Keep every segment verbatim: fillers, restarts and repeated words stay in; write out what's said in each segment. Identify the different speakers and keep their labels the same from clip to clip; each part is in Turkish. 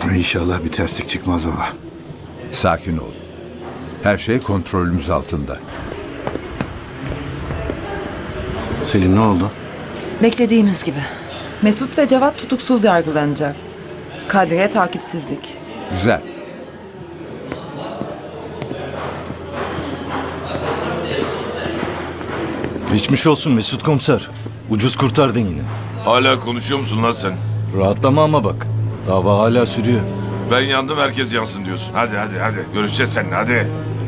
Speaker 1: İnşallah bir terslik çıkmaz baba.
Speaker 2: Sakin ol. Her şey kontrolümüz altında.
Speaker 1: Selim ne oldu?
Speaker 3: Beklediğimiz gibi.
Speaker 4: Mesut ve Cevat tutuksuz yargılanacak. Kadriye takipsizlik.
Speaker 2: Güzel.
Speaker 5: Geçmiş olsun Mesut komiser. Ucuz kurtardın yine.
Speaker 6: Hala konuşuyor musun lan sen?
Speaker 5: Rahatlama ama bak. Dava hala sürüyor.
Speaker 6: Ben yandım herkes yansın diyorsun. Hadi hadi hadi. Görüşeceğiz seninle hadi.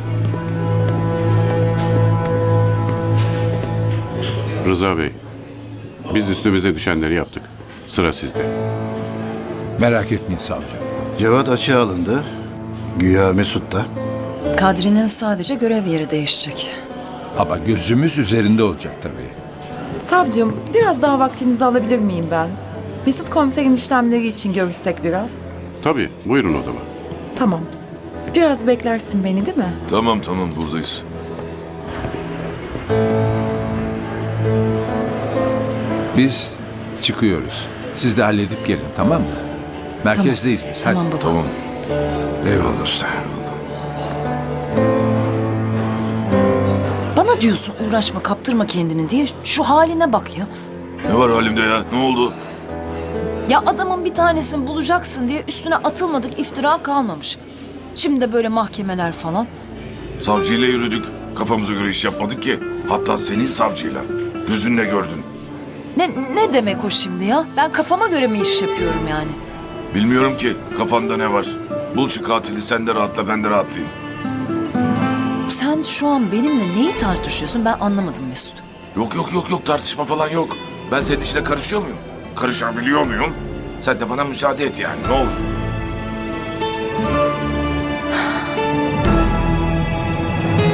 Speaker 7: Rıza Bey, biz üstümüze düşenleri yaptık. Sıra sizde.
Speaker 2: Merak etmeyin savcı.
Speaker 1: Cevat açığa alındı. Güya Mesut da.
Speaker 3: Kadri'nin sadece görev yeri değişecek.
Speaker 2: Ama gözümüz üzerinde olacak tabii.
Speaker 4: Savcım, biraz daha vaktinizi alabilir miyim ben? Mesut komiserin işlemleri için görüşsek biraz.
Speaker 7: Tabii, buyurun odama.
Speaker 4: Tamam. Biraz beklersin beni değil mi?
Speaker 6: Tamam tamam buradayız.
Speaker 2: Biz çıkıyoruz. Siz de halledip gelin, tamam mı? Merkezdeyiz biz. Hadi.
Speaker 3: Tamam baba.
Speaker 6: Tamam.
Speaker 1: Eyvallah usta.
Speaker 3: Bana diyorsun uğraşma kaptırma kendini diye. Şu haline bak ya.
Speaker 6: Ne var halimde ya? Ne oldu?
Speaker 3: Ya adamın bir tanesini bulacaksın diye üstüne atılmadık iftira kalmamış. Şimdi de böyle mahkemeler falan.
Speaker 6: Savcıyla yürüdük. Kafamıza göre iş yapmadık ki. Hatta senin savcıyla. Gözünle gördün.
Speaker 3: Ne, ne demek o şimdi ya? Ben kafama göre mi iş yapıyorum yani?
Speaker 6: Bilmiyorum ki kafanda ne var. Bul şu katili sen de rahatla ben de rahatlayayım.
Speaker 3: Sen şu an benimle neyi tartışıyorsun ben anlamadım Mesut.
Speaker 6: Yok yok yok yok tartışma falan yok. Ben senin işine karışıyor muyum? Karışabiliyor muyum? Sen de bana müsaade et yani ne olur.